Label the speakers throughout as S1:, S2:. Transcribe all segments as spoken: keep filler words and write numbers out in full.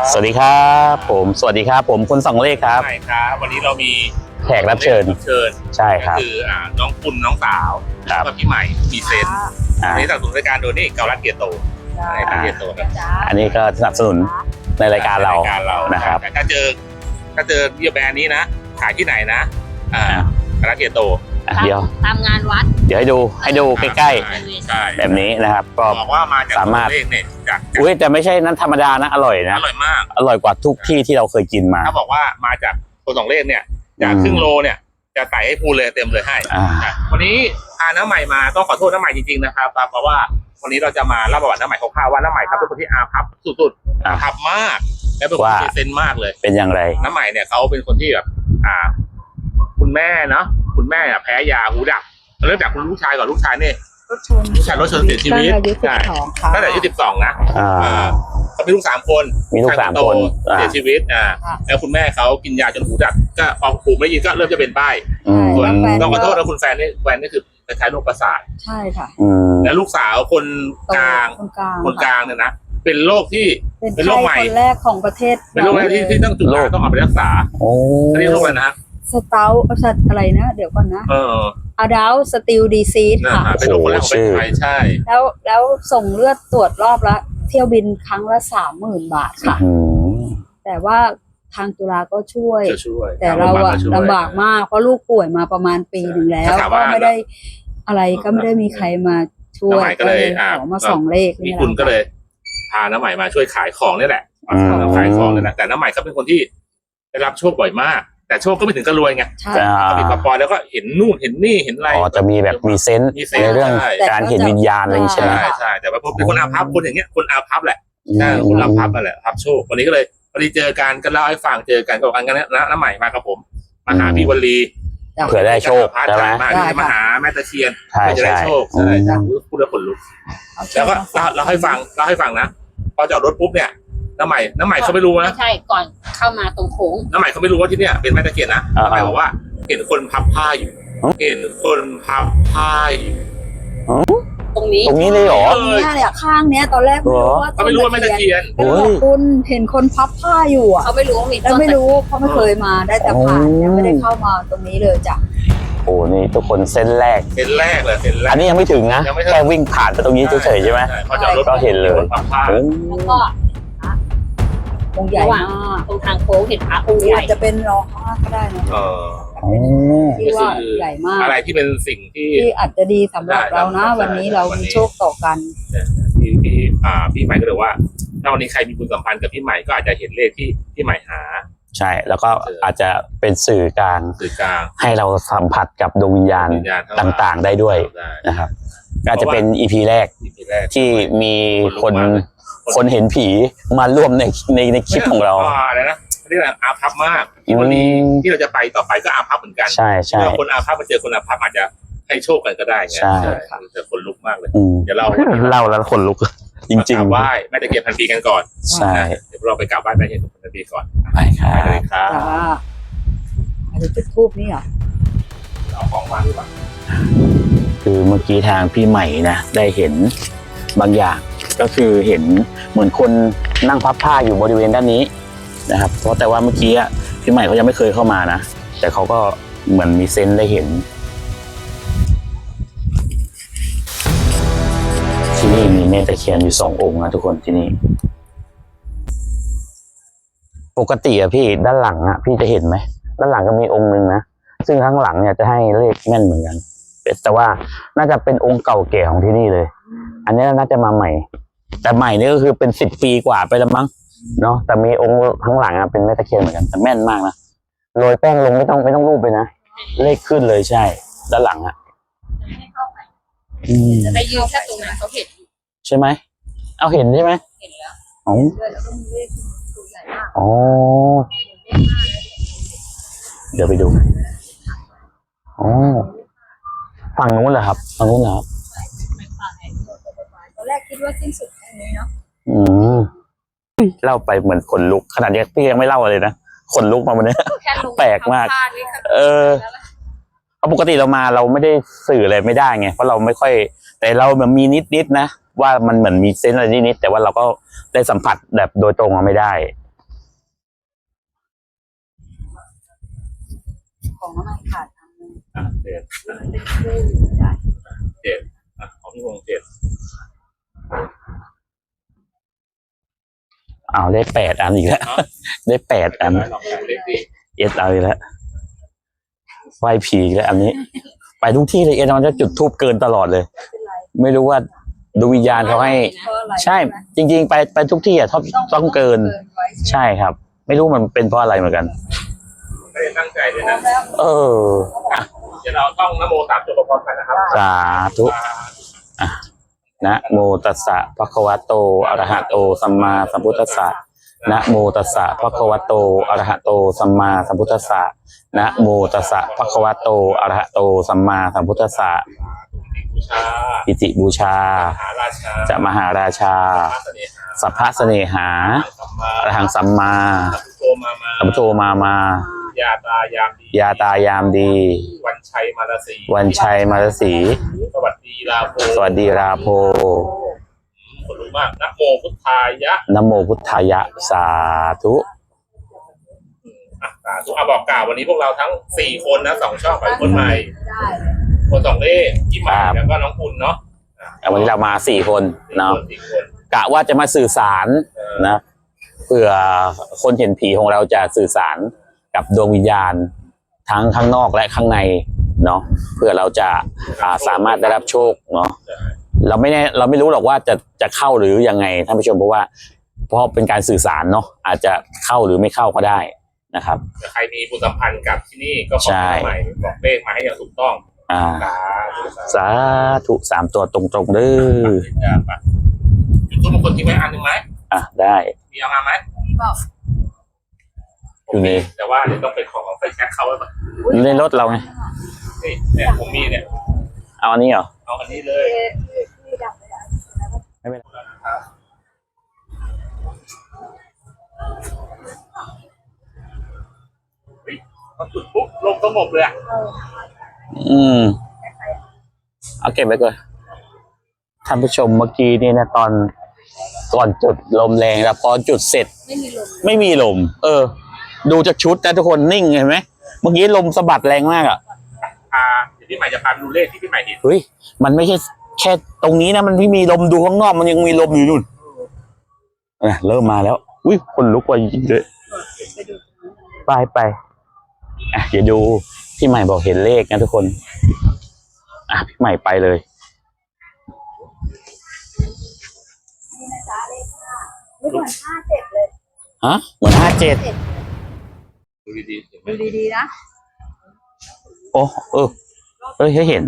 S1: สวัสดีครับผมสวัสดีครับผมคุณสองเลขครับ
S2: ใช่ครับวันนี้เรามี
S1: แขกรับเชิญ
S2: เชิญ
S1: ใช่ครับ
S2: ก็คืออ่าน้องคุณน้องสาวแล้วก็พี่ใหม่มีเซนอันนี้สนับสนุนรายการโดยนี่เกาลัดเกียร์โตใช่เกียร์โตครับ
S1: อันนี้ก็สนับสนุนในรายการเรานะครับ
S2: ถ้าเจอถ้าเจอเบียร์แบรนด์นี้นะขายที่ไหนนะอ่าเกาลัดเกียร์โต
S1: เดี๋ยว
S3: ตามงานวัด
S1: เดี๋ยวให้ดูให้ดูใกล้ๆแบบนี้นะครับก็
S2: บอกว่ามาจากสามารถเนี่ยจาก
S1: อุ้ยแต่ไม่ใช่นั้นธรรมดานะอร่อยนะ
S2: อร่อยมาก
S1: อร่อยกว่าทุกที่ที่เราเคยกินมา
S2: ถ้าบอกว่ามาจากคนสองเลขเนี่ยจากครึ่งโลเนี่ยจะใส่ให้พูเลยเต็มเลยให้วันนี้พาน้าใหม่มาต้องขอโทษน้าใหม่จริงๆนะครับเพราะว่าวันนี้เราจะมาเล่าประวัติน้าใหม่คร่าวๆว่าน้าใหม่ครับเป็นคนที่อาภัพสุดๆอาภัพมากและเป็นคนที่เซนมากเลย
S1: เป็นอย่างไร
S2: น้าใหม่เนี่ยเขาเป็นคนที่แบบอ่าคุณแม่เนาะคุณแม่แพ้ยาหูดับเริ่มจากคุณลูกชายก่อนลูกชายเนี่ยลูกชายรถชนเสียชีวิตใช่ตั้งแต่อายุสิบสองนะเขามีลูกสามคน
S1: มีลูกสามคน
S2: เสียชีวิตอ่าแล้วคุณแม่เขากินยาจนหูดับก็พอหูไม่ยินก็เริ่มจะเป็นป้ายส่วนต้องขอโทษนะคุณแฟนนี่แฟนนี่คือคล้ายๆโรคประสาท
S3: ใช่ค่ะ
S2: แล้วลูกสาวคนกลางคนกลางเนี่ยนะเป็นโรคที่เป็นโรคใหม่
S3: คนแรกของประเทศ
S2: เป็นโรคที่ที่ต้องจุดยาต้องเอาไปรักษา
S1: โอ้
S2: เรียกโรคอะไรนะ
S3: สเตาสัตอะไรนะเดี๋ยวก่อนนะ
S2: เออ
S3: อะดาลสติลดีซีสค่ะ
S2: เป็นโรคคนแรกของประเทศไทยใช่
S3: แล้วแล้วส่งเลือดตรวจรอบละเที่ยวบินครั้งละสามหมื่นบาทค่ะแต่ว่าทางจุฬาก็ช่วยแต่เราอะลำบากมากเพราะลูกป่วยมาประมาณปีหนึ่งแล้วก็ไม่ได้อะไรก็ไม่ได้มีใครมาช่วย
S2: ก็เลย
S3: ขอมาสองเลข
S2: นี่คุณก็เลยพาน้าใหม่มาช่วยขายของนี่แหละขายของนี่แหละแต่น้าใหม่เขาเป็นคนที่ได้รับโชคบ่อยมากแต่โชคก็ไม่ถึงกับรวยไงเขามีปปอยแล้วก็เห็นนู่นเห็นนี่เห็นอะไร
S1: อ๋อจะมีแบบมีเซนส์ในเรื่องการเห็นวิญญาณอะไรใช่ไหม
S2: ใช่ใช่แต่ว่าเป็นคนอาภัพคนอย่างเงี้ยคนอาภัพแหละใช่คนอาภัพนั่นแหละอาภัพโชควันนี้ก็เลยพอดีเจอกันก็เล่าให้ฟังเจอกันก็บอกกันนะน้าใหม่มากับผมมาหาพี่วลี
S1: เผื่อได้โชคใช่ไหม
S2: มาหาแม่ตะเคียนเพื่อจะได้โชคใช่ใช่พูดแล้วขนลุกแล้วก็เราให้ฟังเราให้ฟังนะพอจอดรถปุ๊บเนี่ยน้าใหม่น้าใหม่เขาไม่รู้นะ
S3: ใช่ก่อนเข้ามาตรงโค้ง
S2: น้าใหม่เขาไม่รู้ว่าที่เนี่ยเป็นแม่ตะเคียนนะน้าใหม่บอกว่าเห็นคนพับผ้าอยู่เห็นคนพับผ้าอยู่
S3: ตรงนี้
S1: ตรงนี้เลยเหรอ
S3: ตรงนี้เนี่ยข้างเนี้ยตอนแรกไม่รู้ว่า
S2: เขาไม่รู้ว่าแม่ตะเคียน
S3: คุณเห็นคนพับผ้าอยู่อ่ะเขาไม่รู้ว่ามีต้นไม่รู้เขาไม่เคยมาได้แต่ผ่านยังไม่ได้เข้ามาตรงนี้เลยจ้ะ
S1: โอ้นี่ทุกคนเส้นแรก
S2: เส้นแรกเลยเส้นแรก
S1: อันนี้ยังไม่ถึงนะแค่วิ่งผ่านไปตรงนี้เฉยๆใช่ไหมก็เห็นเลย
S3: แล้วก็องค์ใหญ่มากตรงทางโค้งเห็นพระองค์ใหญ่จะเป็นรอห้าก็ได้นะ
S2: เออ
S3: ที่ว่าใหญ่มาก
S2: อะไรที่เป็นสิ่งที่
S3: ที่อาจจะดีสำหรับเรานะวันนี้เรามีโชคต่อกัน
S2: พี่พี่อ่าพี่ใหม่ก็เลยว่าถ้าวันนี้ใครมีบุญสัมพันธ์กับพี่ใหม่ก็อาจจะเห็นเลขที่พี่ใหม่หา
S1: ใช่แล้วก็อาจจะเป็นสื่อกลาง
S2: สื่อกลาง
S1: ให้เราสัมผัสกับดวงวิญญาณต่างๆได้ด้วยนะครับอาจจะเป็นอีพีแรกที่มีคนคนเห็นผีมาร่วมในในในคลิปของเรา
S2: อะไรนะเรียกว่าอาภัพมากที่วันนี้ที่เราจะไปต่อไปก็อาภัพเหมือนกัน
S1: ใช่ใช่
S2: คนอาภัพมาเจอคนอาภัพอาจจะให้โชคกันก็ได้ไง
S1: ใช่
S2: แต่คนลุกมากเลยเดี๋ยวเรา
S1: เล่าแล้วคนลุกจริงๆ
S2: ไหว้แม่ตะเคียนพันปีกันก่อน
S1: ใช่
S2: เดี๋ยวเราไปกราบไหว้แม่ตะเคียนพันปีก่อน
S1: ไปครับ
S2: ไปเลยครับ
S3: อันนี้จุดทูบนี่เหรอ
S2: เอาของวางดีกว่า
S1: คือเมื่อกี้ทางพี่ใหม่นะได้เห็นบางอย่างก็คือเห็นเหมือนคนนั่งพับผ้าอยู่บริเวณด้านนี้นะครับเพราะแต่ว่าเมื่อกี้พี่ใหม่เขายังไม่เคยเข้ามานะแต่เขาก็เหมือนมีเซนส์ได้เห็นที่นี่มีแม่ตะเคียนอยู่สององค์นะทุกคนที่นี่ปกติอะพี่ด้านหลังอะพี่จะเห็นไหมด้านหลังก็มีองค์หนึ่งนะซึ่งข้างหลังเนี่ยจะให้เลขแม่นเหมือนกันแต่ว่าน่าจะเป็นองค์เก่าแก่ของที่นี่เลยอันนี้น่าจะมาใหม่แต่ใหม่นี่ก็คือเป็นสิบปีกว่าไปแล้วมั้งเนาะแต่มีองค์ข้างหลังอะเป็นแม่ตะเคียนเหมือนกันแต่แม่นมากนะโรยแป้งลงไม่ต้องไม่ต้องรูปเลยนะเลขขึ้นเลยใช่ด้านหลังอะ
S3: จะไปยืนแค่ตรงนั้นเขาเห็น
S1: ใช่ไหมเอาเห็นใช่ไหม
S3: เห็นแล้ว
S1: อ๋ออ๋อเดี๋ยวไปดูอ๋อฝั่งนู้นเหรอครับฝั่งนู้นเหรอครับ
S3: ตอนแรกคิดว่าสิ้นสุดแค่นี้เนาะ
S1: อืมเล่าไปเหมือนขนลุกขนาดนี้พี่ยังไม่เล่าเลยนะขนลุกมาวันนี้แปลกมากเออเพราะปกติเรามาเราไม่ได้สื่ออะไรไม่ได้ไงเพราะเราไม่ค่อยแต่เราแบบมีนิดๆนะว่ามันเหมือนมีเซนส์อะไรนิดๆแต่ว่าเราก็ได้สัมผัสแบบโดยตรงเราไม่ได้
S3: ของน้ำมันขาดอันนึง
S2: อ่ะเจ็ด
S3: เป็นคู่ได้
S2: เจ็ดอ่ะของพี่วงเจ็ด
S1: อ้าวได้แปดอันอีกแล้วได้แปดอัน
S2: ลองดูเลขดี
S1: เอสเอาอีกแล้วไหวผีอีกแล้วอันนี้ ไปทุกที่เลยเอสมันจะจุดทูบเกินตลอดเลย
S3: ไม่เป็นไร
S1: ไม่รู้ว่าดวงวิญญาณเขาให้
S3: เพราะอะไร
S1: ใช่จริง ๆ ไปไปทุกที่อ่ะต้องต้องเกิน
S3: ไว้
S1: ใช่ครับ ไม่รู้มันเป็นเพราะอะไรเหมือนกัน
S2: ไม่ได้ตั้งใจด้วย
S3: พร้อ
S2: นะ
S3: มแล้ว
S1: เอออ่ะ
S2: เดี๋ยวเราต้องนะโมสามจบพร้อมๆกันนะครับ
S1: สาธุอ่ะนะโมตัสสะภะคะวะโตอะระหะโตสัมมาสัมพุทธัสสะนะโมตัสสะภะคะวะโตอะระหะโตสัมมาสัมพุทธัสสะนะโมตัสสะภะคะวะโตอะระหะโตสัมมาสัมพุทธัสสะ
S2: บูชา
S1: ปิติบูชา
S2: มหาราชา
S1: จะมหาราชา
S2: พระเสน่หา
S1: สัพพะเสน่หา
S2: สัมมา
S1: อรหังสัมมา
S2: โตมามา
S1: สัมพุทโธมามา
S2: ยาตายามดี
S1: ยาตายามดี
S2: วันชัยมารสี
S1: วันชัยมารสี
S2: สวัสดีลาโภ
S1: สวัสดีราโพ
S2: คนรู้มากนะโมพุทธายะ
S1: นะโมพุทธายะสาธุ
S2: อ่ะสาธุอ่ะบอกกล่าววันนี้พวกเราทั้งสี่คนนะสองช่องไปคนใหม่
S3: ได้
S2: คนสองเลขพี่ใหม่แล้วก็น้องคุณเนาะ
S1: แต่วันนี้เรามาสี่คนเนาะ
S2: สี่คน
S1: กะว่าจะมาสื่อสารนะเผื่อคนเห็นผีของเราจะสื่อสารกับดวงวิญญาณทั้งข้างนอกและข้างในเนาะเพื่อเราจะอ่าสามารถได้รับโชคเนาะเราไม่แน่เราไม่รู้หรอกว่าจะจะเข้าหรือยังไงท่านผู้ชมเพราะว่าเพราะเป็นการสื่อสารเนาะอาจจะเข้าหรือไม่เข้าก็ได้นะครับ
S2: ถ้าใครมีบุญสัมพันธ์กับที่นี่ก็ขอ
S1: ใช่
S2: ใหม่บอกเลขมาให้อย่างถูกต้อง
S1: อ่า
S2: สาธุ
S1: สาธุสามตัวตรงๆเด้อ
S2: จะไปจุดทูปมงคลทิ้งไว้อันหนึ่งไหม
S1: อ่ะได้
S2: มีเอามาไหม
S3: บอก
S1: อยู่ใน
S2: แต่ว่าเดี๋ยวต้องเป็นของไฟแช็กเขาไว้ก่อน
S1: อยู่ในรถเราไง
S2: นี่เนี่ยผมมีเนี่ย
S1: เอาอันนี้เหรอ
S2: เอาอันนี้เลย
S3: ที่ที่ดับไม่ได้
S1: ไม่เป็นไร
S2: เฮ้ยพอจุดปุ๊บลงสงบเลยอะ
S3: เออ
S1: อืมเอาเก็บไว้ก่อนท่านผู้ชมเมื่อกี้นี่นะตอนก่อนจุดลมแรงแล้วพอจุดเสร็จ
S3: ไม่มีลม
S1: ไม่มีลม เออ ดูจากชุดนะทุกคนนิ่งเห็นไหมเมื่อกี้ลมสะบัดแรงมากอ่ะ
S2: อ่าเดี๋ยวพี่ใหม่จะพาไปดูเลขที่พี่ใหม่เห็น
S1: เฮ้ยมันไม่ใช่แค่ตรงนี้นะมันไม่มีลมดูข้างนอกมันยังมีลมอยู่นู่นเออเริ่มมาแล้วอุ้ยคนลุกว่าจริงๆเลย
S3: ไปดู
S1: ไปไปอ่ะเดี๋ยวดูพี่ใหม่บอกเห็นเลขนะทุกคนอ่ะพี่ใหม่ไปเลย
S3: นี่นะจ๊ะเลขห้าไม่เหมือนห้าเจ็ดเลย
S1: ฮะเหมือนห้าเจ็ด
S2: ดูดีๆเห็นไหม
S3: ดูดีๆนะ
S1: โอ้เออเอ้ยเห็น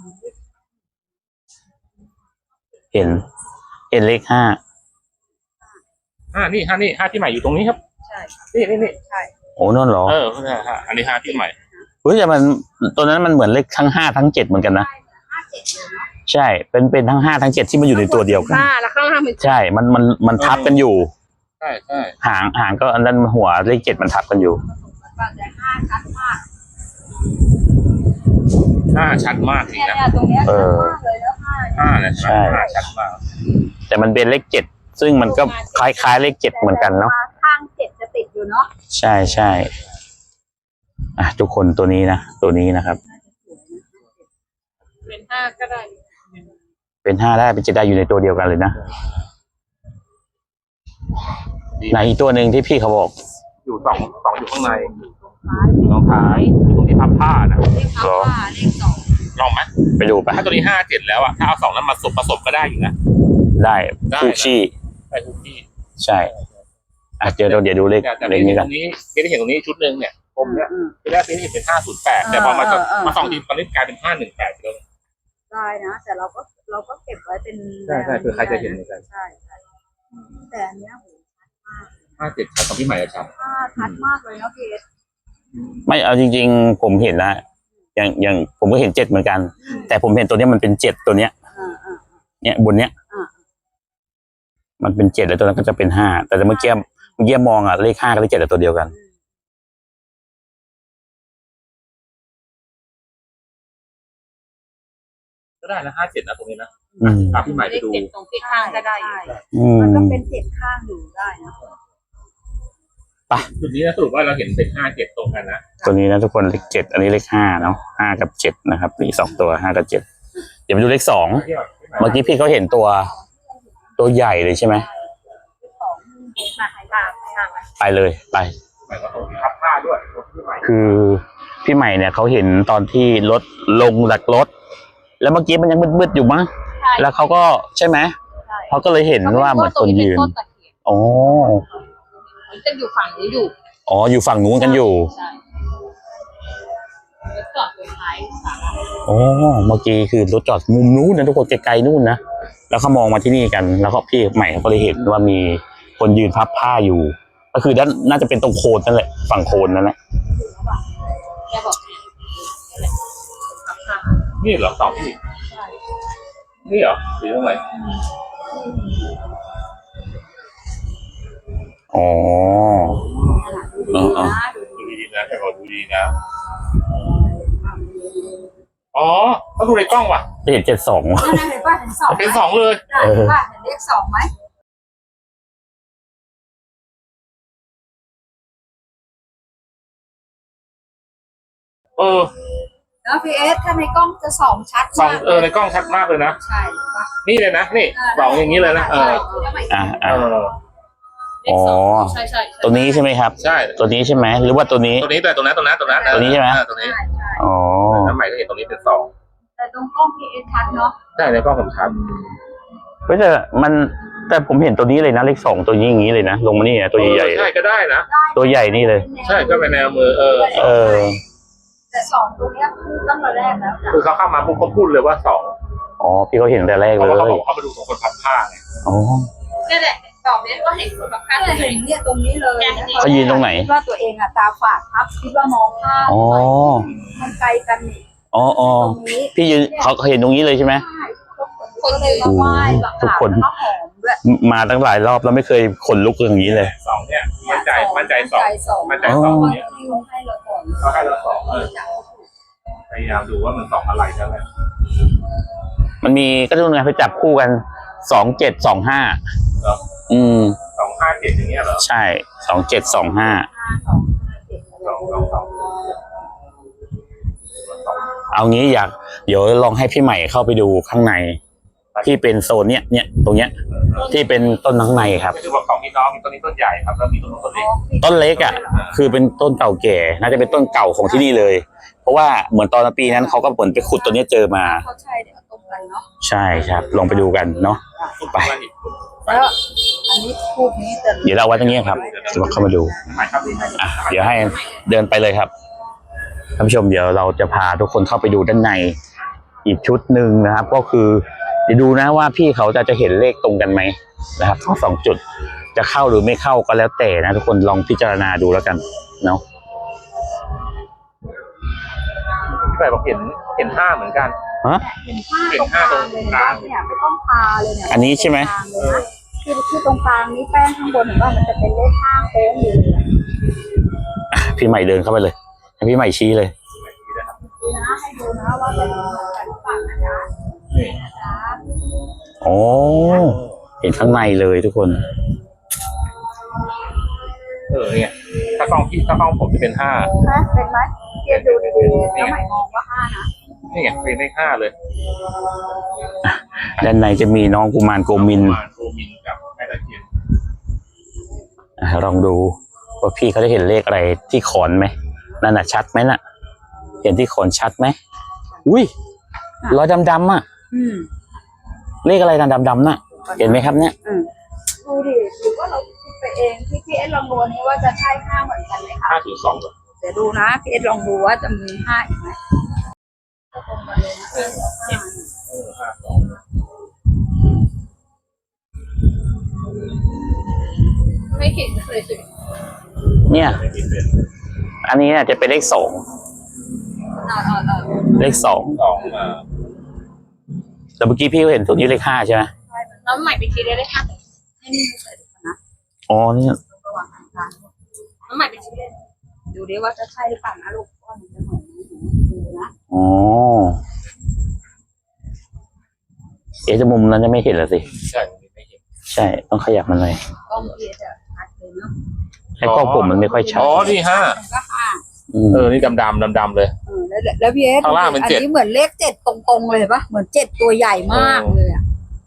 S1: เห็น เห็นเลขห้า
S2: ห้านี่ห้านี่ห้าที่ใหม่อยู่ตรงนี้ครับ
S3: ใช่
S2: นี่นี่นี่
S3: ใช่
S1: โอ้นั่นเหรอ
S2: เออนี่ฮะอันนี้ห้าที่ใหม่
S1: เฮ้ยแต่มันตัวนั้นมันเหมือนเลขทั้งห้าทั้งเจ็ดเหมือนกันนะ
S3: ห้าเจ็ดเลยเนาะ
S1: ใช่ เป็นเป็นทั้งห้าทั้งเจ็ดที่มันอยู่ในตัวเดียวกัน
S3: ห้าแล้วข้างล่างเป็น
S1: ใช่ มันมันมันทับกันอยู่
S2: ใช่ใช่
S1: หางหางก็อันนั้นหัวเลขเจ็ดมันทับกันอยู่
S3: แต่ห้าชัดมาก
S2: ห้าชัดมากจริง
S3: เนี่ย
S2: นะ
S3: เนี่ยตรงเนี้ย
S1: เอ
S3: ชัด
S1: อ
S3: มากเลยแล้วห้า
S2: ห้าเนี่ย
S1: ใช่
S2: ห้าชัดมาก
S1: แต่มันเป็นเลขเจ็ดซึ่งมันก็คล้ายๆเลขเจ็ดเหมือนกันเนาะ
S3: ข้างเจ็ดจะติดอยู่เนาะ
S1: ใช่ใช่อ่ะทุกคนตัวนี้นะตัวนี้นะครับ
S3: เป็นห้าก็ได้
S1: เป็นห้าได้เป็นเจ็ดได้อยู่ในตัวเดียวกันเลยนะในอีกตัวหนึ่งที่พี่เขาบอก
S2: อยู่สองสองอยู่ข้างในอยู่ตรงท้ายอยู่ตรงที่พับผ้านะ
S3: เลขห้าเลขสอง
S2: ลองไหม
S1: ไปดูไปะ
S2: ถ้าตัวนี้ห้าเจ็ดแล้วอะถ้าเอาสองนั้นมาผสมผสมก็ได้อยู่นะ
S1: ได้
S2: ได้
S1: คู่ขี้
S2: ได้ทุกที่
S1: ใช่อ่ะเดี๋ยวเราเดี๋ยวดูเลข
S2: แต่แต่
S1: เล
S2: พี่
S1: ขนี้
S2: ต
S1: กั
S2: ร
S1: น
S2: งนี้พี่ได้เห็นตรงนี้ชุดหนึ่งเนี่ยผมเนี่ยที่แรกพี่เห็นเป็นห้าศูนย์แปดแต่พอมาส่องมาส่องทีตอนนี้กลายเป็นห้าหนึ่งแปดแล้ว
S3: ได้นะ แต่เราก็เราก็เก็บไว้เป็น
S2: ใช่ใช่คือใครจะเห็นเหมือนกัน
S3: ใช่ใช่แต่อันเนี้ยโหชัดมาก
S2: ห้าเจ็ดชัดของพี่ใหม่อะชัด
S3: ห้าชัดมากเลยเนาะพี่เอส
S1: ไม่เอาจริง ๆ ผมเห็นนะอย่างอย่างผมก็เห็นเจ็ดเหมือนกัน แต่ผมเห็นตัวเนี้ยมันเป็นเจ็ดตัวเนี้ย
S3: อ่าอ่า
S1: เนี่ยบนเนี้ย
S3: อ่า
S1: มันเป็นเจ็ดแล้วตัวนั้นก็จะเป็นห้าแต่เมื่อกี้เมื่อกี้มองอ่ะเลขห้ากับเลขเจ็ดตัวเดียวกัน
S2: ก็ได้นะห้าเจ็ดนะตรงนี้นะ
S1: อืม
S2: พาพี่ใหม่ไปดู
S3: เลขเจ็ดตรงที่ข้างก็ได้
S1: อืม
S3: มันก็เป็นเจ็ดข้างอยู่ได้นะ
S1: ไปไป
S2: จุดนี้นะสรุปว่าเราเห็นเป็นห้าเจ็ดตรงกันนะ
S1: ตัวนี้นะทุกคนเลขเจ็ดอันนี้เลขห้าเนาะห้ากับเจ็ดนะครับมีสองตัวห้ากับเจ็ดเดี๋ยวมาดูเลขสองเมื่อกี้พี่เขาเห็นตัวตัวใหญ่เลยใช่ไหมไปเลยไป
S2: หมายว่าตรงที่ทับผ้าด้วยรถที่ใหม่
S1: คือพี่ใหม่เนี่ยเขาเห็นตอนที่รถลงจากรถ แล้วเมื่อกี้มันยังมืดๆอยู่มั้งแล้วเขาก็ใช่ไหมเขาก็เลยเห็นว่าเหมือนคนยืนอ๋อ
S3: จะอยู่ฝั่งนี้อยู่
S1: อ๋ออยู่ฝั่งนู้นกันอยู่
S3: ใช่แล้วจอดตรงท้ายศาลา
S1: อ๋อเมื่อกี้คือรถจอดมุมนู้นนะทุกคนไกลๆนู่นนะแล้วเขามองมาที่นี่กันแล้วก็พี่ใหม่เขาก็เลยเห็นว่ามีคนยืนพับผ้าอยู่ ก็คือด้านน่าจะเป็นตรงโคนนั่นแหละฝั่งโคนนั่นแหละ
S3: แกบอกเนี่ยขับผ่าน
S2: นี่เหรอสองที่
S3: ใช่
S2: นี่เหรอหรือตรงไหน
S1: อ๋อ
S3: ดูดีนะดู
S2: ดูดีนะแต่เราดูดีนะอ๋อเขาดูในกล้องว่ะ
S1: เห็นเจ็ดสอง
S3: นั่นนะเห็นป่ะเห็นสองไหม
S2: เป็นสองเลย
S3: เห็นป่ะเห็นเลขสองไหม
S2: เออ
S3: แล้วพีเอสถ้าในกล้องจะสองชัด
S2: สอง
S3: มาก
S2: เออในกล้องชัดมากเลยนะ
S3: ใช่ป่ะ
S2: นี่เลยนะนี่สองอย่างนี้เลยนะเออ
S1: อ่า
S2: เอ
S1: อ่า
S2: อ
S1: อ๋อ
S3: ใช่ใช่
S1: ตัวนี้ใช่ไหมครับ
S2: ใช่
S1: ตัวนี้ใช่ไหมหรือว่าตัวนี้
S2: ตัวนี้แต่ตรงนั้นตรงนั้นตรงนั้น
S1: ตัวนี้ใช่ไหม
S2: เออตรงนี้
S3: ใช่ใช่
S1: อ๋อ
S2: น้ำใหม่ก็เห็นตรงนี้เป็นสอง
S3: แต่ตรงกล้องพีเอสชัดเนาะ
S2: ใช่ในกล้องผมชัด
S1: เฮ้ยแต่มันแต่ผมเห็นตัวนี้เลยนะเลขสองตัวนี้อย่างนี้เลยนะลงมานี่นะตัวใหญ่
S2: เออใช่ก็ได้นะ
S1: ๆตัวใหญ่นี่เลย
S2: ใช่ก็เป็นแนวมือเออ
S1: เออ
S3: แต่สองตัวเนี้ยตั้งแต่แรกแล้วจ้ะ
S2: คือเขาเข้ามาปุ๊บเขาพูดเลยว่าสอง
S1: อ๋อพี่เขาเห็นแต่แรก
S2: เพ
S1: เล
S2: ราะว่าเขา
S1: ย
S2: บอกเขามาดูของคนพับผ้าไง
S1: อ๋อ
S4: นี่แหละตอบนี้ก็เห็นคนแบบข้าง
S3: ก็
S4: เล
S3: เห็
S4: ย
S3: นเนี่ยตรงนี้เลย
S1: เขายืนตรงไหน
S3: คิดว่าตัวเองอะตาฝาดครับคิดว่ามองภาพ
S1: อ๋อ
S3: มันไกลกันนี่
S1: อ๋ออ๋อ
S3: ตรงนี้
S1: พี่ยืนเขาเขาเห็นตรงนี้เลยใช่ไหม
S3: ใช่คนเลยมาไหว้แบบ
S1: ทุกคน
S3: ข้าวหอมด้วย
S1: มาตั้งหลายรอบแล้วไม่เคยขนลุกอย่างนี้เลย
S2: สองเนี่ยมั่นใจมั่นใจสอง
S3: สอง
S2: มั่นใจสอง
S3: คน
S2: เนี่ย
S3: ที่ลงให้เราก่อน
S2: เขาให้เราสองเออพยายามดูว่ามันสองอะไรนั่นแหละ
S1: มันมีก็ต้องไงไปจับคู่กันสองเจ็ดสองห้า
S2: เหรอ
S1: อืม
S2: สองห้าเจ็ดอย่างเงี้ยเหรอ
S1: ใช่สองเจ็ดสองห้า
S3: ห้าสองห้าเจ็ด
S2: สองสองสอง
S1: เอางี้อยากเดี๋ยวลองให้พี่ใหม่เข้าไปดูข้างใน ที่เป็นโซนเนี้ยเนี่ยตรงเนี้ยที่เป็นต้นข้างในครับ
S2: ก็คือว่าของพี่น้องมีต้นนี้ต้นใหญ่ครับแล้วมีต้นนู้นต้นเล็ก
S1: ต้นเล็กอ่ะ คือเป็นต้นเก่าแก่ น่าจะเป็นต้นเก่าของที่นี่เลย เพราะว่าเหมือนตอนปีนั้นเขาก็เหมือนไปขุดตัวเนี้ยเจอมา
S3: เขาใช่เดี๋ยวตรงกันเนาะ
S1: ใช่ครับลองไปดูกันเนาะ ไป
S3: แล้วอันนี้พูดนี้แต่
S1: เดี๋ยวเราเอาไว้ตรงนี้ครับจะมาเข้ามาดู
S2: หมายครับ
S1: อ่ะเดี๋ยวให้เดินไปเลยครับท่านผู้ชมเดี๋ยวเราจะพาทุกคนเข้าไปดูด้านในอีกชุดหนึ่งนะครับ ก็คือเดี๋ยวดูนะว่าพี่เขาจะจะเห็นเลขตรงกันไหมนะครับทั้งสองจุดจะเข้าหรือไม่เข้าก็แล้วแต่นะทุกคนลองพิจารณาดูแล้วกันเนาะ
S2: พี่ใหม่บอกเห็นเห็นห้าเหมือนกัน
S1: ฮะ
S3: เห็นผ้าตรงกลางเลยเห็นป่ะเนี่ยไม่ต้องพาเลยเนี่ย
S1: อันนี้ใช่ไหม
S3: ตรงกลางเลยนะคือคือตรงกลางนี้แป้งข้างบนเห็นว่ามันจะเป็นเลขห้าโค้งอยู่เลย
S1: อ่ะพี่ใหม่เดินเข้าไปเลยให้พี่ใหม่ชี้เลย
S3: ดูนะให้ดูนะว่าเป็นเหมือนกันหรือเปล่านะจ๊ะ
S2: นี่
S3: จ๊ะ
S1: โอ้เห็นข้างในเลยทุกคน
S2: เออเนี่ยถ้ากล้องพี่ถ้ากล้องผมจะเป็นห้า
S3: ฮะเป็นไหมเทียบดูดีๆแล้วหมายมองว่าห้านะ
S2: นี่ไงเป็นเลขห้าเลย
S1: ด้านในจะมีน้องกุมารโกมิน
S2: กุารโกมินกับแม่ตะเคียน
S1: อ่ะลองดูว่าพี่เขาจะเห็นเลขอะไรที่ขอนไหมนั่นน่ะชัดไหมน่ะ เห็นที่ขอนชัดไหมอุ้ยรอยดำๆอ่ะ
S3: อืม
S1: เลขอะไรนะดำๆน่ะ เห็นไหมครับเนี่ย
S3: อืมดูดิหรือว่าเราคิดไปเองพี่พีเอสลองดูนี้ว่าจะใช่ห้าเหมือนกันไหมคะ
S2: ห้าถึงสองเหรอ
S3: เดี๋ยวดูนะพี่เอสลองดูว่าจะมีห้าอีกไหมตรงกันเลยนะห้า
S2: เออห้าสอง
S4: ไม่เห็นเลยสิ
S1: เนี่ย
S2: ไม่มีเป็น
S1: อันนี้เนี่ยจะเป็นเลขสอง
S3: เอาเอาเอา
S1: เลขสอง
S2: สองมา
S1: แต่เมื่อกี้พี่ก็เห็นตัวนี้เลขห้าใช่ไหม
S4: แล้วใหม่ไปคิดได้เลยค่ะ
S3: ให้นี่ใส่ดูก่อนนะ
S1: อ๋อนี่
S3: ระหว่างทางการ
S4: แล้วใหม่ไปคิดได้
S3: ดูดิว่าจะใช่หรือเปล่านะลูกว่ามันจะเหมือนไหมดูนะ
S1: อ๋อเอ๊ะจะมุมนั้นจะไม่เห็นเหรอสิ
S2: ใช่ไม่เห็น
S1: ใช่ต้องขยับมันเลย
S3: กล้องพีเอสจะชัดเลยเนาะ
S1: ในกล้องผมมันไม่ค่อยชัด
S2: อ๋อนี่ห้า
S3: ก็ห้า
S1: ม
S2: เออนี่ดำดำดำดำๆเลย
S3: เออแล้วแล้วพี่เอส
S2: ข้างล่างเป็น
S3: อัน
S2: เจ็ด
S3: นี้เหมือนเลขเจ็ดตรงๆเลยปะเหมือนเจ็ดตัวใหญ่มากเลยอ่ะ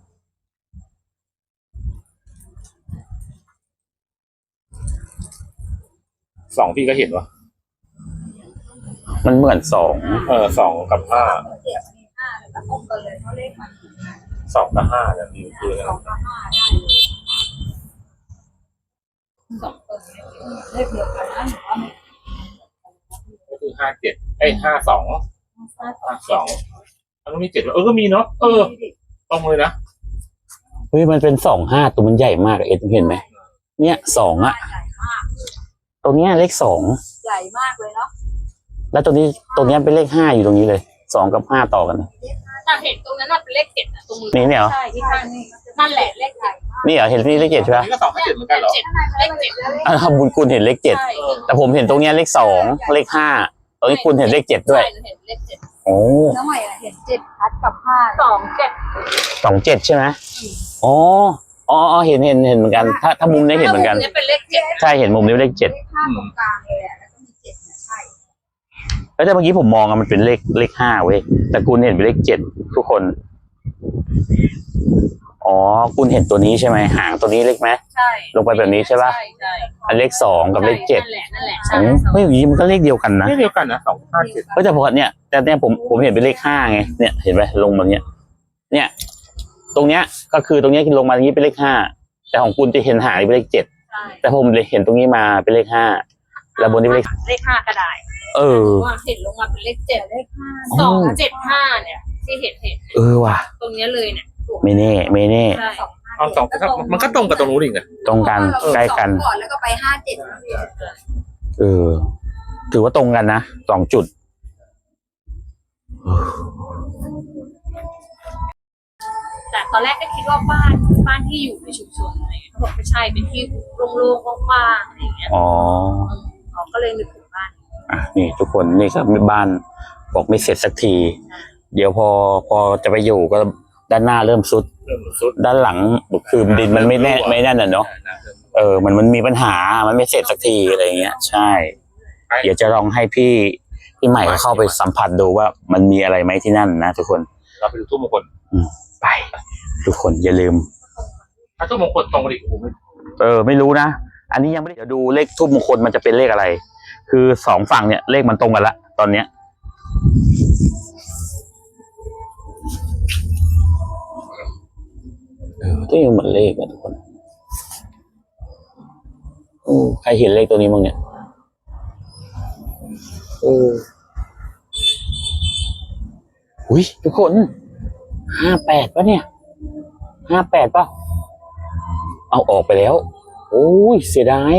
S2: สองพี่ก็เห็นวะ
S1: มันเหมือนสอง
S2: เออสองกับห้า
S3: เจ็ดมีห้าแล้วก็ตรงกันเลยเพราะเลขมัน
S2: สองกับห้าเนี่ยคือคือ
S3: สองกับห้าได้เลยสองตัวเลขเดียวกันนะหรือว่าไม่
S2: ก็คือห้าเจ็ดไอ้ห้าสองห้าสองมันต้องมีเจ็ดเออก็มีเนาะเออตรงเลยนะ
S1: เฮ้ยมันเป็นสองห้าตัวมันใหญ่มากเอ็ดเห็นไหมเนี่ยสองอะ
S3: ใหญ่มาก
S1: ตรงเนี้ยเลขสอง
S3: ใหญ่มากเลยเนาะ
S1: แล้วตรงนี้ตรงเนี้ยเป็นเลขห้าอยู่ตรงนี้เลยสองกับห้าต่อกัน
S4: แต่เห็นตรงนั้นน่ะเป็นเลขเจ็ดอะตรงมือ
S1: นี่เนี่ยเหรอ
S4: ใช่ที่ข้างนี่นั่นแหละเลขใหญ่
S1: นี่เหรอเห็นนี่เลขเจ็ดใช่
S2: อั
S1: ปะ
S2: นนี้ก็สองห้าเจ็ดเหมือนกันเหรอ
S4: เจ็ดเลขเจ็ด
S1: อ่าบุญคุณเห็นเลขเจ็ด
S4: ใช่
S1: แต่ผมเห็นตรงเนี้ยเลขสองเลขห้าตรงนี้คุณเห็นเลขเจ็ดด้วย
S4: ใช่เห็นเลขเจ็ด
S1: โอ้
S3: น้องใหม่อะเห็นเจ็ดพัดกับห้า
S4: สองเจ็ด
S1: สองเจ็ดใช่ไหมอ๋ออ๋ออ๋อเห็นเห็นเห็นเหมือนกัน ถ้าถ้ามุมนี้เห็นเหมือนกัน
S4: เนี่ยเป็นเลขเจ็ด
S1: ใช่เห็นมุมนี้เลขเจ็ด
S3: เลขห้าตรงกลางเลยอะแล้วก็มีเจ็ดเนี่ยใช่
S1: แล้วแต่เมื่อกี้ผมมองอะมันเป็นเลขเลขห้าเว้ยแต่คุณเห็นเป็นเลขเจ็ดทุกคนอ๋อคุณเห็นตัวนี้ใช่ไหมหางตัวนี้เล็กไหม
S4: ใช่
S1: ลงไปแบบนี้ใช่ปะ
S4: ใช่ใช่
S1: อันเลขสองกับเลขเจ็ด
S4: นั่นแหละนั่นแหละ
S1: โอ้
S4: ใช่
S1: เฮ้ยอย่างนี้มันก็เลขเดียวกันนะ
S2: ไม่เดียวกันนะสองห้าเจ็ด
S1: ก็แต่พอเนี่ยแต่เนี่ยผมผมเห็นเป็นเลขห้าไงเนี่ยเห็นไหมลงมาเนี่ยเนี่ย ตรงเนี้ยก็คือตรงเนี้ยลงมาตรงนี้เป็นเลขห้าแต่ของคุณจะเห็นหางเป็นเลขเจ็ด
S4: ใช่
S1: แต่ผมเลยเห็นตรงนี้มาเป็นเลขห้าแล้วบนนี้เป็นเลข
S4: เลขห้าก็ได้
S1: เออ
S4: ว่าเห็นลงมาเป็นเลขเจ็ด
S3: เลขห้า
S1: อ๋อ
S4: สองเจ็ดห้าเนี่ย ที่เห็นเห็น
S1: เออว่ะ
S4: ตรงเนี้ยเลยเนี่ย
S1: ไม่แน่ไม่แน่
S4: ใช่
S2: เอาสองมันก็ตรงกับตรงนู้นอีกนะ
S1: ตรงกันใกล้กัน
S3: ก่อนแล้วก็ไปห้าเจ็ดนะพี่
S1: เออ ถือว่าตรงกันนะสองจุด
S4: แต่ตอนแรกก็คิดว่าบ้านบ้านที่อยู่ในชุมชนอะไรเงี้ยเขาบอกไม่ใช่เป็นที่โล่งๆว่างๆอะไรอย่างเงี้ย
S1: อ๋อ
S4: เขาก็เลยนึกถึงบ้าน
S1: อ่ะนี่ทุกคนนี่ครับบ้านบอกไม่เสร็จสักที เดี๋ยวพอพอจะไปอยู่ก็ด้านหน้าเริ่มสุด
S2: เริ่มสุด
S1: ด้านหลังคือดินมันไม่แน่ไม่แน่นอ่ะเนาะเออมันมันมีปัญหามันไม่เสร็จสักทีอะไรเงี้ยใช่ เดี๋ยวจะลองให้พี่พี่ใหม่เข้าไปสัมผัสดูว่ามันมีอะไรไหมที่นั่นนะทุกคน
S2: เราไปดูทุ่มมงคล
S1: ไป ทุกคนอย่าลืม
S2: ถ้าทุ่มมงคลตรงกันอีกผมไม่
S1: เออไม่รู้นะอันนี้ยังไม่ได้เดี๋ยวดูเลขทูปมงคลมันจะเป็นเลขอะไร คือสองฝั่งเนี่ยเลขมันตรงกันละตอนเนี้ยเออก็ยังเหมือนเลขอะทุกคนโอ้ใครเห็นเลขตัวนี้บ้างเนี่ยโอ้อุ้ยทุกคนห้าแปดป่ะเนี่ยห้าแปดป่ะเอาออกไปแล้วโอ้ยเสียดาย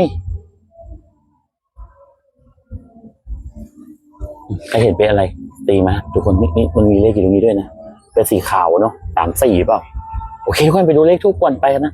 S1: ใครเห็นเป็นอะไรตีมาทุกคนนี่นี่มันมีเลขอยู่ตรงนี้ด้วยนะเป็นสีขาวเนาะสามสี่เปล่าโอเคทุกคนไปดูเลขทุกวันไปกันนะ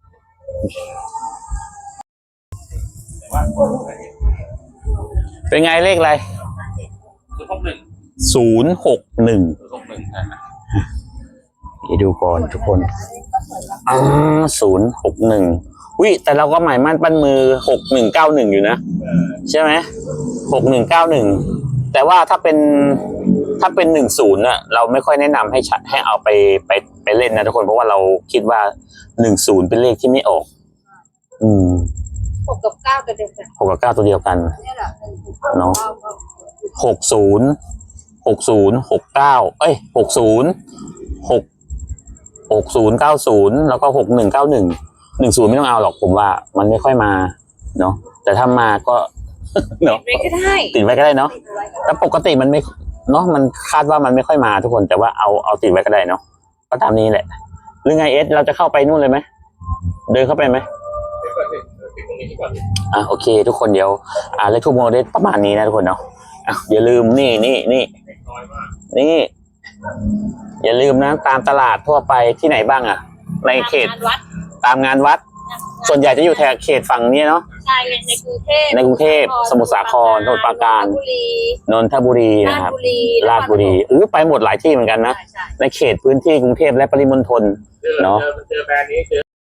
S1: เป็นไงเลขอะไร
S2: คือหกหนึ่ง
S1: ศูนย์หกหนึ่ง
S2: คือหกหนึ่งนะ
S1: เดี๋ยวดูก่อนทุกคนอ่าศูนย์หกหนึ่งวิแต่เราก็หมายมั่นปั้นมือหกหนึ่งเก้าหนึ่งอยู่นะใช่ไหมหกหนึ่งเก้าหนึ่งแต่ว่าถ้าเป็นถ้าเป็นหนึ่งศูนย์น่ะเราไม่ค่อยแนะนำให้ชัดให้เอาไปไปไปเล่นนะทุกคนเพราะว่าเราคิดว่าหนึ่งศูนย์เป็นเลขที่ไม่ออก อืม
S3: หกกับเก้าตัวเดียวกัน
S1: หกกับเก้าตัวเดียวกัน
S3: นี่แหละ
S1: เนาะ หกศูนย์หกศูนย์หกเก้าเอ้ยหกศูนย์หกหกศูนย์เก้าศูนย์แล้วก็หกหนึ่งเก้าหนึ่งหนึ่งศูนย์ไม่ต้องเอาหรอกผมว่ามันไม่ค่อยมาเนาะแต่ถ้ามาก็เนาะ
S4: ไม่ก็ได้
S1: ติดไว้ก็ได้เนาะแต่ปกติมันไม่เนาะมันคาดว่ามันไม่ค่อยมาทุกคนแต่ว่าเอาเอาติดไว้ก็ได้เนาะก็ตามนี้แหละหรือไงเอสเราจะเข้าไปนู่นเลยไหมเดินเข้าไปไหม
S2: เดี๋ยวก่อนสิติดตรงนี้ก่อน
S1: อ่ะโอเค ทุกคนเดี๋ยวอ่าเลขทูปโมเดลประมาณนี้นะทุกคนเนาะอ่ะอย่าลืมนี่นี่นี่
S2: น้อยมาก
S1: นี่ อย่าลืมนะตามตลาดทั่วไปที่ไหนบ้างอ่ะ ในเขต
S4: งานวัด
S1: ตามงานวัด ส่วนใหญ่จะอยู่แถบเขตฝั่งนี้เนาะ
S4: ใช่ในกรุงเทพ
S1: ในกรุงเทพสมุทรสาครสมุทรปราการ
S4: นนทบุรี
S1: นนทบุรี
S4: รา
S1: นะ
S4: ช
S1: ครับ
S4: บุรี
S1: ราชบุรีอู้ไปหมดหลายที่เหมือนกันนะ
S4: ใช่ใช่
S1: ในเขตพื้นที่กรุงเทพและปริมณฑล
S2: เจอ
S1: เนาะ
S2: เจอเจอแบรนด์นี้เจอ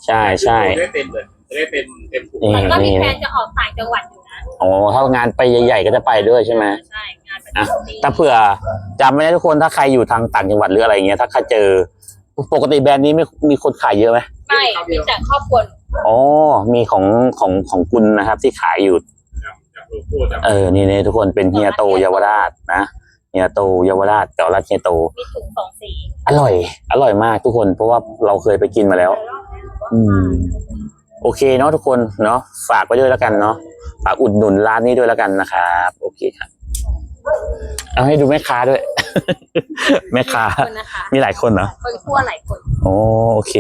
S1: ใช่ใช่
S2: ได้เต็มเลยได้เต็มเต็มถุง
S1: นี่
S4: มันก็มี
S1: นี่
S4: แผนจะออกต่างจังหวัดอยู่นะ
S1: อ๋อถ้างานไปใหญ่ๆก็จะไปด้วยใช่ไหม
S4: ใช่งานประ
S1: อ่ะ
S4: จำปี
S1: ถ้าเผื่อจำไม่ได้ทุกคนถ้าใครอยู่ทางต่างจังหวัดหรืออะไรเงี้ยถ้าใครเจอปกติแบรนด์นี้ไม่มีคนขายเยอะไหม
S4: ไม่มีแต่ครอบครัว
S1: อ๋อมีของของของคุณนะครับที่ขายอยู่
S2: จากโลโก้จาก
S1: เออนี่นี่ทุกคนเป็นเฮียโตเยาวราชนะเฮียโตเยาวราชเก่าราชเฮียโต
S4: มีถุงสองสี
S1: อร่อย อร่อยมากทุกคนเพราะว่าเราเคยไปกินมาแล้ว อืม โอเคเนาะทุกคนเนาะฝากไว้ด้วยแล้วกันเนาะฝากอุดหนุนร้านนี้ด้วยแล้วกันนะครับโอเคครับเอาให้ดูแม่ค้าด้วย แม่ค้า
S4: คนนะคะ
S1: มีหลายคนเหรอ
S4: คนคั่วหลายคน
S1: โอ้โอเค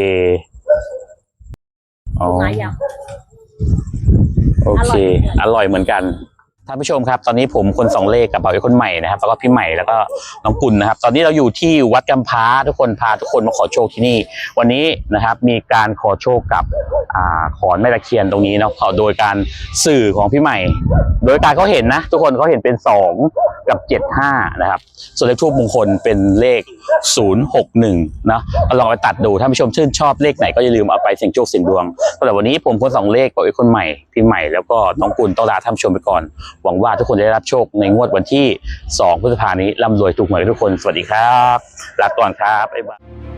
S1: อ๋อ
S4: ไม้ย
S1: โอเค อร่อยเหมือนกันท่านผู้ชมครับ ตอนนี้ผมคนสองเลขกับเบาอีกคนใหม่นะครับแล้วก็พี่ใหม่แล้วก็น้องกุลนะครับ ตอนนี้เราอยู่ที่วัดกำพร้าทุกคนพาทุกคนมาขอโชคที่นี่ วันนี้นะครับมีการขอโชคกับอ่าขอนแม่ตะเคียนตรงนี้เนาะโดยการสื่อของพี่ใหม่ โดยการเขาเห็นนะ ทุกคนเขาเห็นเป็นสองกับเจ็ดห้านะครับส่วนเลขทูปมงคลเป็นเลขศูนย์หกหนึ่งเนาะลองไปตัดดูท่านผู้ชมชื่นชอบเลขไหนก็อย่าลืมเอาไปเสี่ยงโชคเสี่ยงดวงสำหรับวันนี้ผมคนสองเลขกับอีกคนใหม่พี่ใหม่แล้วก็น้องกุลต้องลาท่านผู้ชมไปก่อนหวังว่าทุกคนจะได้รับโชคในงวดวันที่สองพฤษภาคมนี้ร่ำรวยถูกหวยทุกคนสวัสดีครับลาก่อนครับบ๊ายบาย